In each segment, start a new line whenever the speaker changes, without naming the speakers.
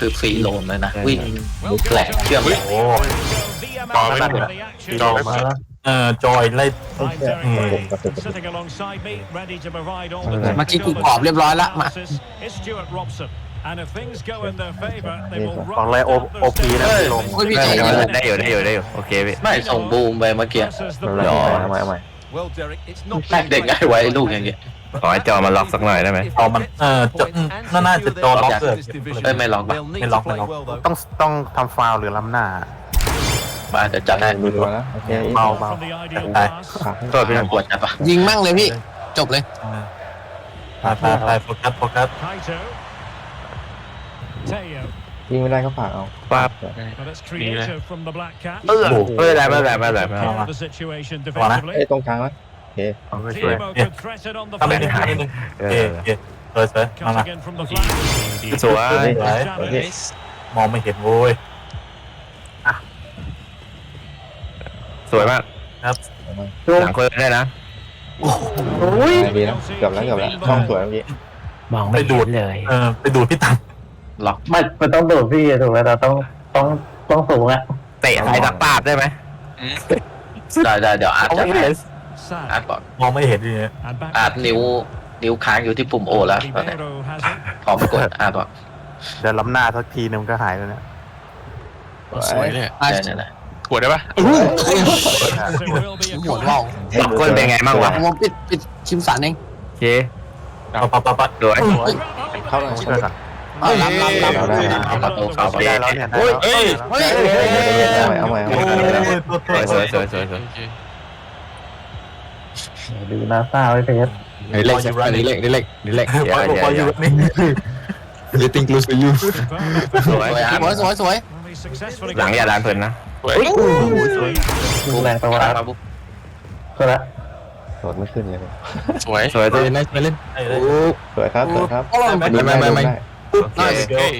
คือฟรีโลนเลยนะวิ่งแหลกเชื่อม
โอ้จอยไม่จอยมาจอยไล่
เมื่อกี้กูกรอบเรียบร้อยละมา
ของไรโอพีนะลง
โอ้ยพี่ใจ
ได้อยู่โอเคพี่
ไม่ส่งบูมไปเมื่อกี้
เอาใหม่
เด็กง่ายไว้ลูกอย่างเงี้ย
ขอให้จอมาล็อกสักหน่อยได้ไหม
เอามันน่าจะจอล็อกเกิด
ไม่ล็อก
ไม่ล็อกต้องทำฟาวหรือล้ำหน้า
มาเดี๋ยวจัดให้
ดูตัวนะโอเค
เบา
โทษพี่ปวดจัดปะ
ยิงมั่งเลยพี่จบเลย
ไปโฟกัส
ยิงไม่ได้ก็ฝากเอา
ปั๊บ ไม่ได้
เอ้ยตรงกลางนะโอเค
ช่วยทำเป็นหานิดนึงสวยมา
สวย
มองไม่เห็นโว้ย
สวยมาก
ครับ
หลังคนได้นะ
ดีนะเกือบแล้วช่องสวยเมื่อกี้
มองไม่ดูดเลย
ไปดูพี่ตัน
ล็อก
มันต้องโดดพี่ถูกไหมเราต้องสูงอะ
เตะใส่ตะปาบได้ไหม
ได้เดี๋ยวอาร์ตจะให้อาร์ตบอก
มองไม่เห็นดี
อาร์ตนิ้วค้างอยู่ที่ปุ่มโอแล้วตอนนี้พร้อมกดอาร์ตบอก
เดี๋ยวล้ำหน้าสักทีนึงก็หายแล้วเนี่ย
สวยเลย
เนี่ยนะ
ปวดได้ปะ
หัวว่าว
สองคนเป็นไงบ้างวะ
ผมปิดคิมสันเอง
โอเค
ปั๊บ
สวย
เข้าหน่อย
ช่วยกัน
รับ
เราได้นะ
เอาประตูเข้าไป
ได้แล้วเนี่ยได้แล้ว
เอาใหม่
สวย
ดูนาซาไว้เพชร
เล็กนี่เล็ก
พออยู่นี่
You think close to you สวย
สวย
หลังอย่าดันเพลินนะ
บูมแรงไปว่าบุ๊ก
ก็ละ
โดดไม่ขึ้นเลย
สวยตัวนี้ไม่เล่น
สวยครับ
ไม่
น่า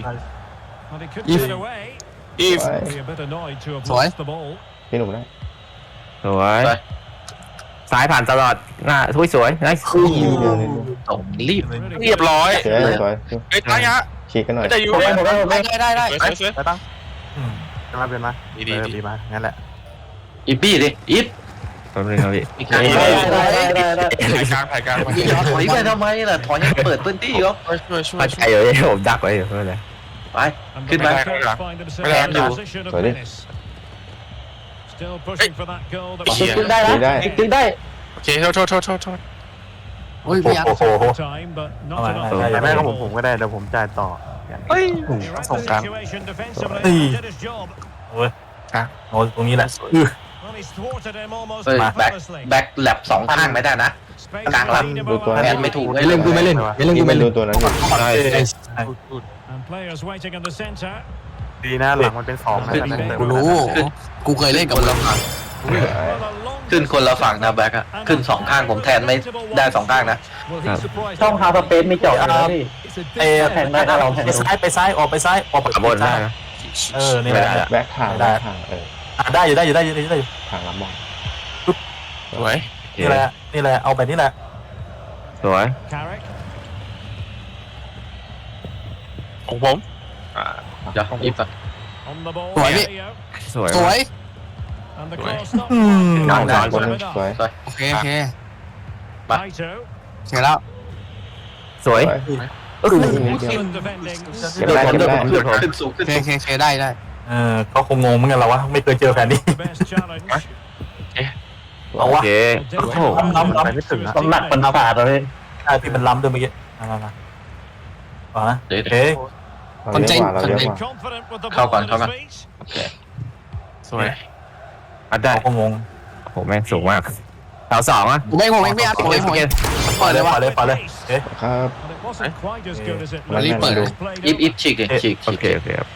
if
สวย
พี่หนุ่มได้
สวยซ้ายผ่านตลอดหน้าทุยสวยไนส์
ส่งรีบ
เรียบร้อย
สวย
ไอ้ตายะ
ฉีกกันหน่อย
จะอยู่
ได้
ไปตั้งจะมาเป็นมาดีมางั้นแหละ
อีบี้ดิอีฟ
แป๊บนึงครับพี่
อีกครั้ง
ถ่ายกลาง
ถอยไปทำไมล่ะถอยยังเปิดพื้นที่เหรอ
ปัดใจอยู่ผมดักไว้อยู่ไม่เป็นไร
ไปขึ้นมา
ไม่แรงอยู่
สวยดิ
ตึงได้นะตึงได้
โอเคโทษ
โอ้ยพี่อาร์
โอ้โหแม่ก็ผมก็ได้เดี๋ยวผมจ่ายต่อ
ส่งกลาง
โอ้ยโอ้ตรงนี้แหละ
แบ็คแลบสองข้างไม่ได้นะกลางลำ
ดูตัว
แอ
นั้น
นไม่ถูก
ไม่เล่นกูไม่เล่น
ดูตัวนั้น
ดีนะหลังมันเป็น2นะ
กูรู้กูเคยเล่นกับเรา
ขึ้นคนละฝั่งนะแบ็คอะขึ้นสองข้างผมแทนไม่ได้สองข้างนะ
ช่องฮาร์ดสเปซมีเจาะนะพี่แทงได้ถ้าเราแทง
ไปซ้ายออกไปซ้ายออก
ขบวนได้นะ
นี่แหละ
แบ็คทางได้ทาง
ได้อยู่
ทางลำบาก
สวย
นี่แหละเอาแบบนี้แหละ
สวยของผม
เดี๋ยวอีฟอะ
สวยพี่
สวย
สวย
นอนได้บนสวย
โอเคเสร็จแล้ว
สวย
ขึ้นสูงขึ้น
เคได้
เขาคงงงเหมือนกันเราวะไม่เคยเจอแฟนนี้
โอเค
ล้ำไปไม่ถึงนะ
ต้องหนักเป็นศาสตร์เลย
ใช่พี่มันล้ำด้วยเมื่อกี้ต่อนะ
เดี๋ยว
เอ๊ะ
เราเยอะกว่า
เข้าก่อน
สวยอัดได้
เขาคงง
ผมแม่งสูงมากเสาสองอ่ะ
ผมไม่พี่อาร์ผมไม่
ปล่อยเลยเอ๊ะ
ครับ
มารีบเปิดเลย
อีฟฉีกเลยฉีก
โอเคครับ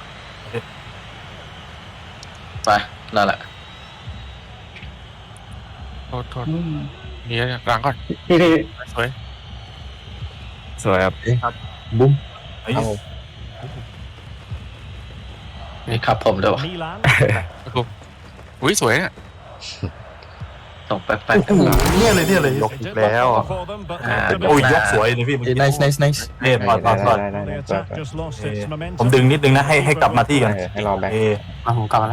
ไปนั่นแหละ
โทษนี่ล้างก่อน
พี่
สวยครับ
เอา
นี่ครับผมด้วยวะ
อุ้ยสวยเนี่ย
ส่งแป๊บ
เนี่ยเลยยกอีกแล้วโอ้ยยกสวยเลยพี่เมื่อกี้
nice
เนี่ยปอด
ได้
ผมดึงนิดนึงนะให้กลับมาที่กัน
ให้รอแบ็ค
มาผมกลับมาแล้ว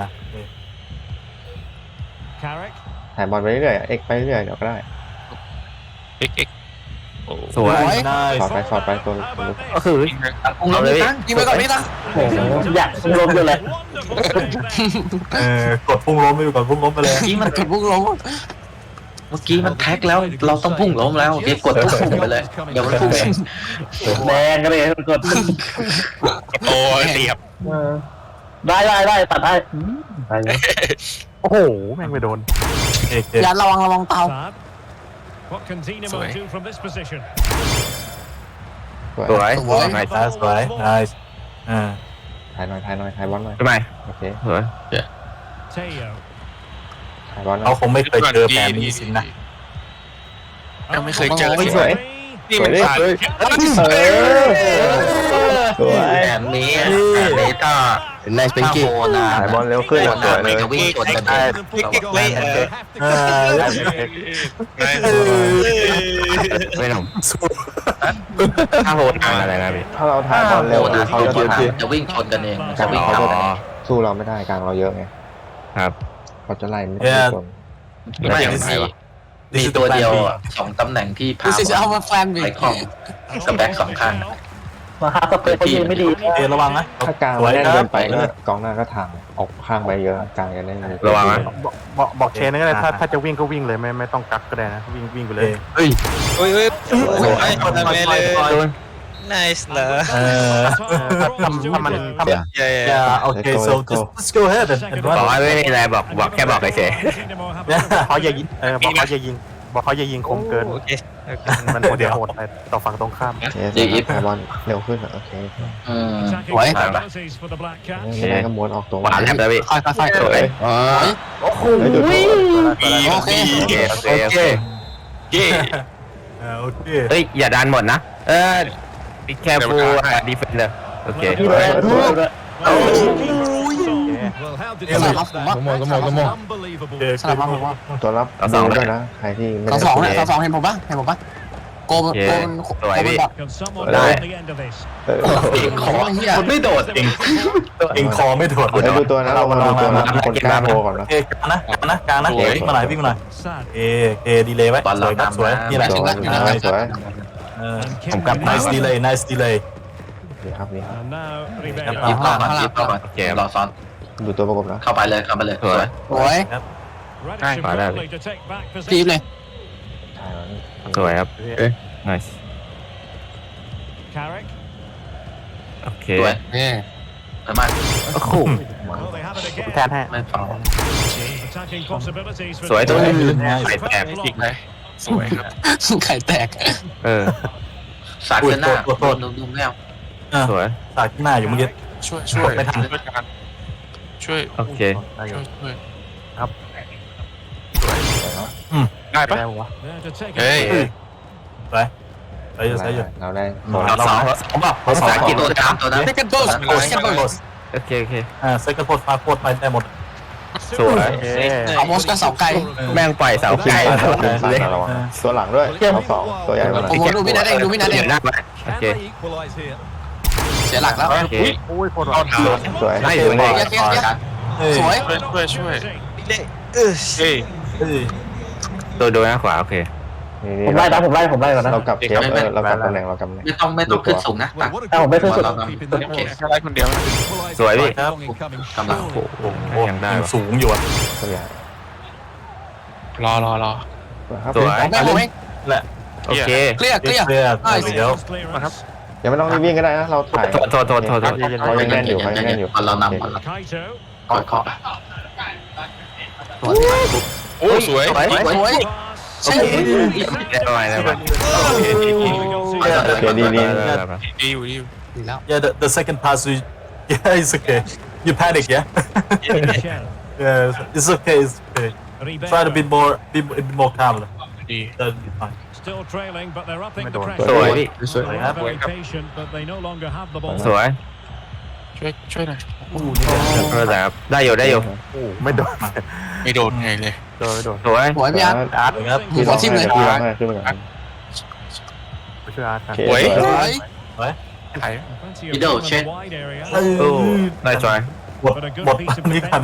ถ่ายบอลไปเรื่อยเอ็กไปเรื่อยเดี๋ยวก็ได้
เอ็กโอ้
สวย
สอดไปตัว
ก็คือ
ๆองค์เราไม่ตั้ง
ยิงไปก่อนพี่ตั้ง
โอ้โหอยากรวมกันเลย
กดพุ่งล้มไปก่อนพุ่งล้มไปเลย
เมื่อกี้มัน
กดพุ่งลง
แท็กแล้วเราต้องพุ่งล้มแล้วเดี๋ยวกดทุกพุ่งไปเลยเดี๋ยวมันพุ่งเอง
แดงกันเลยกด
โอ้ยเสียบ
ได้ตัดได้ไปเลย
โอ้โหแม่งไปโดนเอก
อย่าระวังเตา
สวย
สวย
สวยนาย
ถ่ายหน่อยถ่ายบอลหน่อย
ทำไม
โอเค
สวย
ถ่ายบอลหน่
เขา
อย
คงไม่เคยเจอแผนนี้สินะ
ยังไม่เคยเจอ
สวย
นี่มันผ่าน
สวย
แอนนี้ก็
nice เป็น
ถ้า
กี้
โหนา
ถ่ายบอลเร็วขึ้น
โห
ส
นา
วยเล
ไม่
ย
จะวิ่งชนกันเอง
ไม่หนุ่มถ้าโหดอะไรนะพี่
ถ้าเราถ่ายบอลเร็วเขาจะถ่าย
จะวิ่งชนกันเองจะวิ่ง
เขา
เข้า
จะสู้เราไม่ได้กลางเราเยอะไง
ครับ
เขาจะไล่ไม่คน
ไม่มีตัวเดียวสองตำแหน่งที่พา
This is our plan
ไปคล่องสแบ็กสองข้าง
มาหาสเปรย์เขายิงไม่ดี
ระวังนะ
ถ้ากลางเราแน่นเกินไปก็กองหน้าก็ทางออกข้างไปเยอะกลางกันได้
ระวังนะ
บอกเชนก็ได้ถ้าจะวิ่งก็วิ่งเลยไม่ต้องกักก็ได้นะวิ่งไปเลย
เฮ้ย
โอ้ยทำไมเลย
โดน
nice เหรอ
ถ้ามัน
yeah
โอเค so let's go ahead
บอกว่าไม่มีอะไรบอกแค่บอกเฉย
เขาอย่ายิงบอกเขาอย่ายิงคมเกิน
โอเค
มันเดี๋ยวโหดไปต่อฝั่งตรงข้าม
ถ่ายบอลเร็วขึ้นโอเค
สวย
ยังไงก็ม้วนออกตัว
หวานแลบแล้วพี่
ค่อยสวย
โอ้โห
โอเค
โอเคโอเคโอเค
เย่
โอเค
เฮ้ยอย่าดันหมดนะbe careful defender โอเค
สลับผมว่า สลับมาผมว่า
ตัวรับดูด้วยนะใครที่ไม่
สอง
ได้
เนี่ยสองเห็นผมปะโกมันแบบ
ได้
ขอคนไม่โดดเอง
เองคอไม่ถอด
ดูตัวนะเรามาดูตัวนะคนกล้าโผล่ก่อนนะ
เอกกลางนะวิ่งมาหน่อยเอดีเลยไว้สวยนี่แหละ
สวย
ผมกลับ nice delay
ดีครับ
ยิบเข้ามาโอเครอซ้อน
ดูตัวประกบนะ
เข้าไปเลยสวย
สวย จีบเลย
สวยครับ nice โอเค
สวย
นี่
มาก
โอ้โห
แทนให้
ไม่ฟัง
สวยตัวนี้ไข่แตก
อีกไหมสวยครับ
ไข่แตก
สาดกันหน้าดูแมว
สวย
สาดหน้าอยู่เมื่อกี้
ช่วยไม่ทันช่วย
โอเค
ครับ
ได้ปะ
ได้ปะวะ
เฮ้ย
ไปอยู่
เราได้
เราสองบอกภาษาอังกฤษ
ตัวตามตัวนั้น
second dose second dose
โอเคโอเค
second post มาโคตรไปได้หมด
สวย
เอามอสก็เสาไกล
แม่งปล่อยเสาไกล
ระวังตัวหลังด้วยเขาสองตัวใหญ่มา
โอ้โหดูพี่นัทเองดูพี่นัทเอง
หน้าโอเค
เสียหลักแล้ว
โอเค
โอ้ยโคตร
เข้าทาง
สวย
ได้อยู่นี่
สวย
ช่วย
เฮ้ย
เฮ้ย
ตัวโดนหน้าขวาโอเค
ผมไล่ก่อนนะ
เรากลับเทียบเรากลับตำแหน่งเรากำแหน่ง
ไม่ต้องขึ้นสูงนะ
ผมไม่ขึ้นสุด
โอเค
แค่ได้คนเดียว
สวยพี่
ครับ
กำลัง
โอ้สูงอยู่อ่ะ
ตัวใหญ่
รอ
ครับ
สวย
ไม่ผมเอง
โอเค
เคลียร์
เดี๋ยว
ยังไม่ต้องรีบวิ่งก็ได้นะเราถ่าย
โทษ
เขายังแน่นอยู่เขายังแน่นอยู่
เรานำเคาะ
โอ้สวย
สวยใช่
ได้ประมาณนั้นป่ะ
ดีอยู่
ดีแล้ว
Yeah, the second pass, yeah, it's okay. You panic, yeah? Yeah, it's okay. Try to be more calm.
ดี
That'll be fine.
สวยพี่สวย
ช่วยหน่อย
ครับได้อยู่
ไม่โดน
ไม่โดนไงเลย
โดน
สวย
สวยพี่อาร์ต
อาร์ตครับ
พี่
หัวทิ่มเลย
พี่ร้องให้ขึ้นมาก่อน
ช่วยอาร์ตครับ
โอเค
สวย
ไอ้
Middle check
โอ้ได้จอย
บทนี้กัน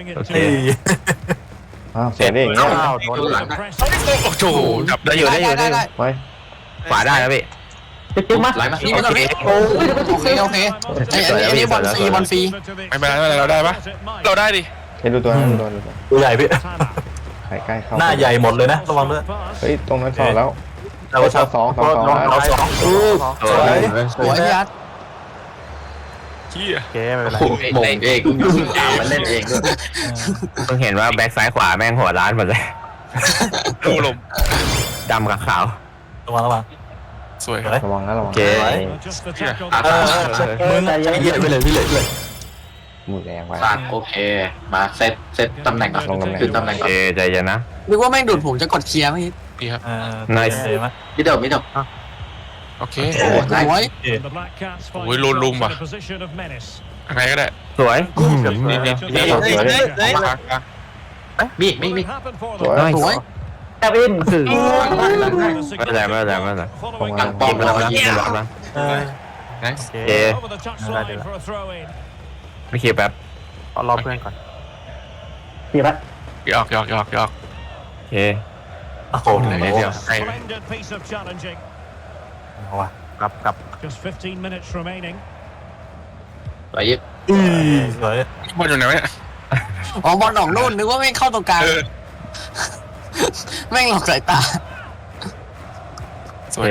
อ้าวเสียได้อย่างเงี้ย
อ้าวโดนหลัง
โอ้โหจับ
ได้อยู่ได้อยู่ได้อยู่
ไว้
ขวาได้นะพี่
จิ้มมา
ไหลมา
นี่มันพี่โอเคไอ้นี่บอลฟรีบอลฟรี
ไม่เป็นไรไม่เป็นไรเราได้ปะเราได้ดิ
เห็นดูตัวนั้นดูตัวนั้น
ตัวใหญ่พี่
ใส่ใกล้เข้า
หน้าใหญ่หมดเลยนะระวังด้วย
เฮ้ยตรงนั้นสองแล้ว
เราสองเราสอง
สวย
สวยพี่อาร์ต
เฮีย
โอเคไม่เป็นไร
โอ้โหมงเองตามมันเล่นเองด้วย
เพิ่งเห็นว่าแบ็คซ้ายขวาแม่งหัวร้านหมดเลย
ดูลม
ดำกับขาว
ระวัง
สวย
ระวังนะระวัง
โอเค
มือใจเย็นไปเลยพี่เลย
มือแรงไว้
สร้างโอเค มาเซตตำแหน่งก่อน
ลงตำแหน่ง
คือตำแหน่งก่อน
ใจเย็นนะ
นึกว่าแม่งดูดผมจะกดเคลียร์เมื่อกี้
ดีครับ
ไหม
มิดเดิลมิดเดิล
โอเค
สวย
โอ้ยโลนลุมว่ะอะไรก็ได้
สวย
นี่นี่
เฮ้ยเฮ้ยเฮ้ย
มี
สวย
สวย
แอบอินคือไม่เป็นไรไม่เป็นไรไม่เป็นไร
หลังป้อมแล้วมายิง
รับนะ
โอ
เคไม่เคลียร์แป๊บ
รอเพื่อนก่อน
พี่ละ
หยอก
โอเค
โอ้โห
เหลือนิดเดียวไอ้
เอาวะกลับ
ไปยิบ
สวย
บอลอยู่ไหนวะเนี่ย
อ๋อบอลหนองนู่นนึกว่าแม่งเข้าตรงกลางแม่งหลอกสายตา
สวย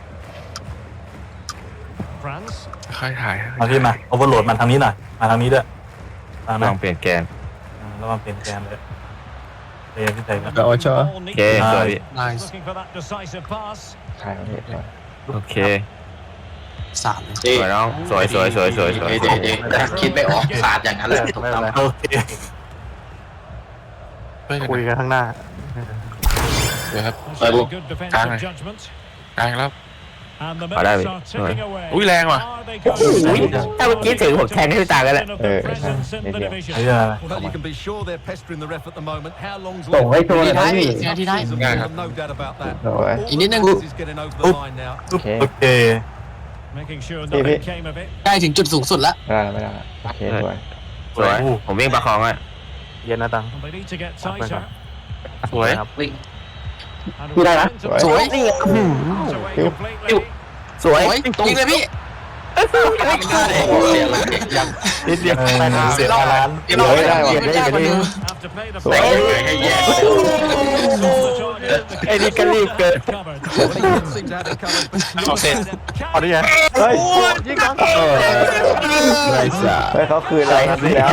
ค่อยถ่าย
มาพี่มาโอเวอร์โหลดมาทางนี้หน่อยมาทางนี้ด้วยมา
ล
นะ
องเปลี่ยนแกน
ระวังเปลี่ยนแกนเลยเรียนที่ไหนนะ
โอเคสวยพี่
nice
ใช่ครับพี่สวย
โอเค
สาม
ดี
สวยน้องสวยสวยสวยสวยสวย
ดีคิดไม่ออกสาดอย่างนั้นเลยถูกต้อง
โอเค
เฮ้ย
คุยกันข้างหน้า
เดี๋ยวครับ
ไปบุก
กลางแล้ว
เอาได้พี่
อุ้ยแรงว่ะ
อุ้ยถ้าเมื่อกี้ถึงผมแทงให้พี่ตากันแหละ
นิดเดียว
ไอ้เรื่องอะไร
Well, you can be sure they're pestering the ref at the moment. How long's
ส่ง
left?
ให้ตัวเลยนะพี่ที่ได้
Season
Yeah.
one, no doubt about that.
สวย
อีกนิดนึง
This is getting over the line now.
โอเค
โอเค
ได้ถึงจุดสูงสุดแล้ว
ไม่ได้โอเคสวย
สวยผมวิ่งประคองอ่ะ
เย็นนะตัง
สวย
ครับ
วิ่ง
พี่ได้นะสวย
สวย
ยิงเลยพี่
เสียเลย
นิดเดียวเสียล้าน
เดี๋ยวเราได้ว่ะได้กว่าเดิม
สวย
ให้แย่
ไอ้นี่ก็รีบเกิน
Seem to have it covered.
เอาเสร็จ
เอาดิไง
เฮ้ย
ยิงกัน
ไรสา
เฮ้ยเขาคืนอะไรครับแล้ว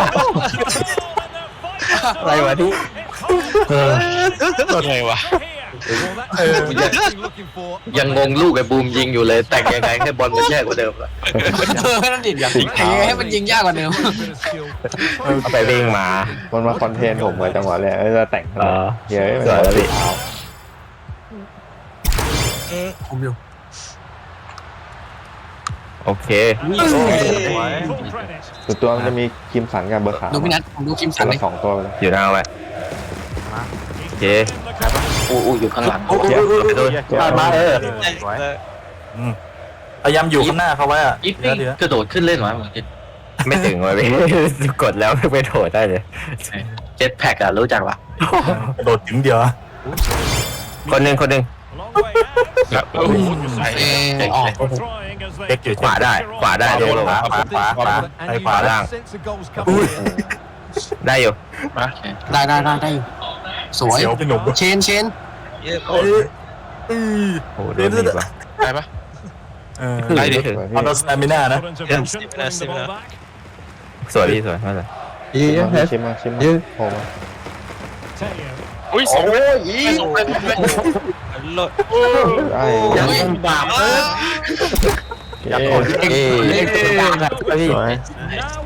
อะไรวะที่
ตัวไงวะ
Looking for
ยังงงลูกไอ้บูมยิงอยู่เลย แต่งยังไงให้บอลมันแย่กว่าเดิมละ
นั่นดิให้มันยิงยากกว่าเดิม
a bit of skill.
เอาไปวิ่งมา
มันมาคอนเทนต์ผมเลยจังหวะเลยจะแต่งเยอะ
สวยแล้วพี่
ผมอยู่
โอเค
ส่วนตัวมันจะมีคิมสันกับเบอร์ขาว
ดูพี่นัทผมดูคิมสันเลย
สองตัวเลย
อยู่หน้าไว้โอเค
อู้อยู่ข้างหลัง
ไปดู
ผ่านมาพยายามอยู่ข้างหน้าเขาไว้อะ
ยิปปี้กระโดดขึ้นเล่นหรอ
ไม่ถึงวะพี่กดแล้วไม่โถได้เลย
เจ็ตแพ็กอะรู้จักปะ
โดดถึงเดียว
คนหนึ่ง
แบบโอ้โหใส่
ออก
เด็กอยู่
ขวาได้ดูลง
ขวา
And
Hey,
you've
far
got
down.
a sense of goals coming in.
ได้อยู่
ได้อยู่สวย
เสียวพี่หนุ่ม
เชน
เยอะ
โอ้โดนดีป่ะ
ได้ปะ
ได้ดิ
ออนสตามิน่านะ
สวยพี่สวยมากเลย
ชิมมาโผล่มา
อุ้ยสอง
โลด
ได้
ยังบาป
โอเค
เอ๊ะ
เล็กตัวกลางครับพี่
สวย
Now